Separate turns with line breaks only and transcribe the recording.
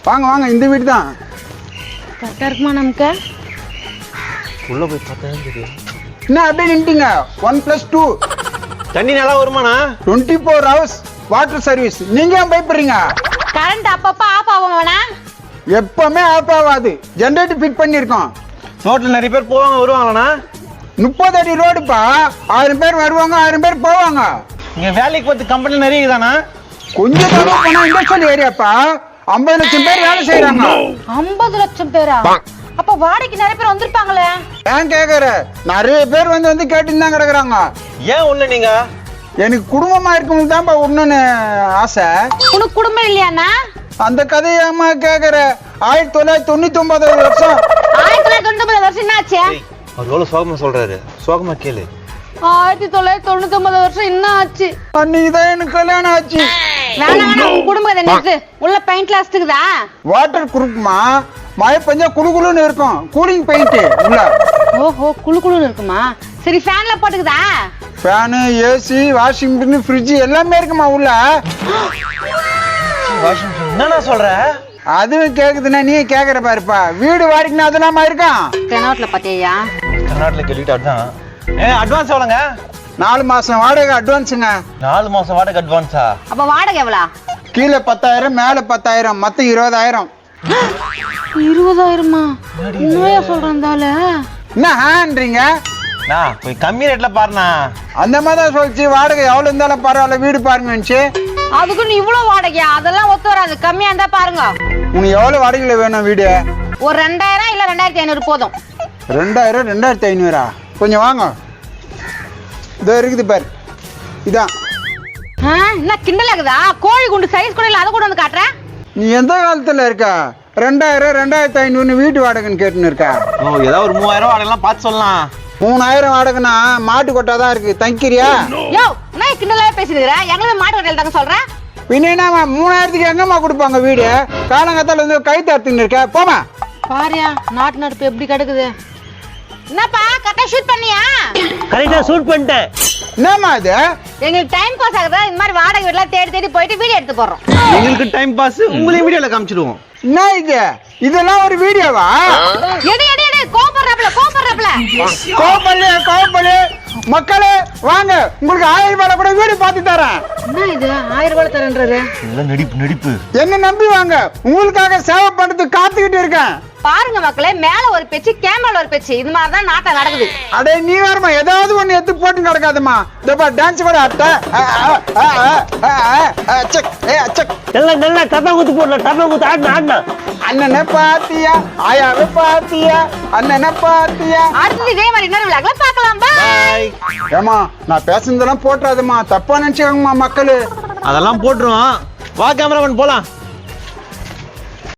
வாங்க வாங்க, இந்த வீடு தான்.
கரெக்டா இருக்குமா நமக்கு?
உள்ள போய் பார்த்தா தெரியும்.
என்ன அப்படியே நின்ட்டீங்க? 1+2
தண்ணி நல்லா வருமாண்ணா?
24 hours வாட்டர் சர்வீஸ். நீங்க ஏன் பயப்படுறீங்க?
கரண்ட் அப்பப்ப ஆஃப் ஆகும் வேணா?
எப்பவுமே ஆஃப் ஆகாது. ஜெனரேட்டர் ஃபிட் பண்ணியிருக்கோம்.
ரோட்ல நிறைய பேர் போவாங்க வருவாங்களாண்ணா?
30 அடி ரோடுப்பா. 1000 பேர் வருவாங்க, 1000 பேர் போவாங்க.
இங்க வேலைக்கு பார்த்து கம்பெனி நிறைய இருக்குதாண்ணா?
கொஞ்சம் தூரம் போனா இண்டஸ்ட்ரியல் ஏரியாப்பா. 50 லட்சம் பேர் வேலை செய்யறாங்க.
50 லட்சம் பேரா? அப்ப வாடகைக்கு நிறைய பேர் வந்திருப்பாங்களே.
ஏன் கேக்குற? நிறைய பேர் வந்து கேட்டுன்னு தான் கிடக்குறாங்க.
ஏன் உள்ள நீங்க?
எனக்கு குடும்பமா இருக்கணும் தான்ப்பா ஒண்ணுன்னு ஆசை.
உனக்கு குடும்பம் இல்லையாண்ணா?
அந்த கதையாமா கேக்குற? 1999 வருஷம்.
1999 வருஷம் என்ன ஆச்சு?
அவர் எவ்வளவு சோகமா சொல்றாரு, சோகமா கேளு.
1999 வருஷம் என்ன ஆச்சு?
அன்னைக்குதான் எனக்கு கல்யாணம் ஆச்சு.
வேணாம் குடும்பம் நிறுத்து. உள்ள பெயிண்ட்ல அடிச்சுக்குதா?
வாட்டர் குறுக்குமா, மழை பெஞ்சா குளுகுளுன்னு இருக்கும். கூலிங் பெயிண்ட் உள்ள.
ஓஹோ, குளு குளுன்னு இருக்குமா? சரி, ஃபேன்ல போட்டுக்குதா?
Fan, AC, washing machine, fridge எல்லாமே இருக்குமா உள்ள.
என்னண்ணா சொல்ற?
அதுவும் கேக்குதுன்னா நீ கேக்குற பாருப்பா. வீடு வாடகைன்னா அதெல்லாமா இருக்கான்.
தெனாவட்ல பாத்தியா?
கர்நாடகா கேள்விட்டு அதான். அட்வான்ஸ் எவ்வளோங்க?
4 மாசம் வாடகை அட்வான்ஸுங்க.
4 மாசம் வாடகை அட்வான்ஸா?
அப்ப வாடகை எவ்வளோ?
கீழே 10,000, மேல 10,000, மொத்தம் 20,000.
20,000மா? என்னையா சொல்றாந்தால?
என்ன ஹான்றீங்க?
போய் கம்மி ரேட்ல பாருண்ணா.
அந்த மாதிரி தான் சொல்லிச்சு. வாடகை எவ்வளவு இருந்தாலும் பரவாயில்ல, வீடு பாருங்கன்னு.
அதுக்குன்னு இவ்வளவு வாடகையா? அதெல்லாம் ஒத்து வராது. கம்மியா இருந்தா பாருங்க.
உனக்கு எவ்வளவு வாடகையில வேணும் வீடு?
ஒரு 2000 இல்ல 2500 போதும்.
2000, 2500? கொஞ்சம் வாங்க, இதோ இருக்குது பாரு. இதான்.
என்ன கிண்டல் ஆகுதா? கோழி குண்டு சைஸ் கூட இல்ல, அதை கூட வந்து காட்டுறேன்.
நீ எந்த காலத்துல இருக்க? 2000, 2500 வீட்டு வாடகைன்னு கேட்டுன்னு இருக்க.
ஏதாவது ஒரு 3000 வாடகைலாம் பார்த்து சொல்லலாம்.
3000 வாடகைன்னா மாட்டு கொட்டாதான் இருக்கு. தங்கிக்கிறியா?
யோ, நான் கிண்டலாவே பேசிருக்கிற. எங்களை மாட்டு ஹோட்டல் தாங்க சொல்றேன்.
பின்னா 3000க்கு எங்கம்மா கொடுப்பாங்க வீடு? காலங்கத்தால வந்து கை தடுத்துன்னு இருக்க. போமா
பாரியா, நாட்டு நடுப்பு எப்படி கிடக்குது. என்னப்பா, கரெக்டா ஷூட் பண்ணியா?
கரெக்டா ஷூட் பண்ணிட்டேன்.
என்னம்மா இது?
எங்களுக்கு டைம் பாஸ் ஆகுதா? இந்த மாதிரி வாடகை வீட்டுல தேடி தேடி போயிட்டு வீடியோ எடுத்து போடுறோம்.
எங்களுக்கு டைம் பாஸ், உங்களையும் வீடியோல காமிச்சிடுவோம்.
என்ன இது? இதெல்லாம் ஒரு வீடியோவா?
எடி எடி எடி, கோபப்படுறப்பல
கோபப்பள்ளி மக்களே வாங்க, உங்களுக்கு 1000 ரூபாய் கூட வீடு பார்த்து தரேன்.
என்ன இது 1000 ரூபாய் தரேன்றாரு?
நடிப்பு
என்ன நம்பி வாங்க, உங்களுக்காக சேவை பண்றதுக்கு காத்துக்கிட்டு இருக்கேன்.
பாருங்க மக்களே, மேல ஒரு பேச்சு, கேமரால ஒரு பேச்சு. இது மாதிரி தான் நாட்டம் நடக்குது.
அடே நீ வேறமா ஏதாவது ஒண்ணு எடுத்து போட்டு நடக்காதம்மா. இதப்பா டான்ஸ் கூட அட்ட
நல்லா டப்பா குத்து போடலாம். டப்பா குத்து ஆடினா
அண்ணனை பாத்தியா, ஆயாவை பாத்தியா, அண்ணனை பாத்தியா.
அடுத்து இதே மாதிரி இன்னொரு விழாக்களை பார்க்கலாம். பாய்.
ஏமா, நான் பேசுனதெல்லாம் போட்டுறாதம்மா, தப்பா நினைச்சுக்கோங்கம்மா மக்களு.
அதெல்லாம் போட்டுருவோம். வா கேமராமேன் போலாம்.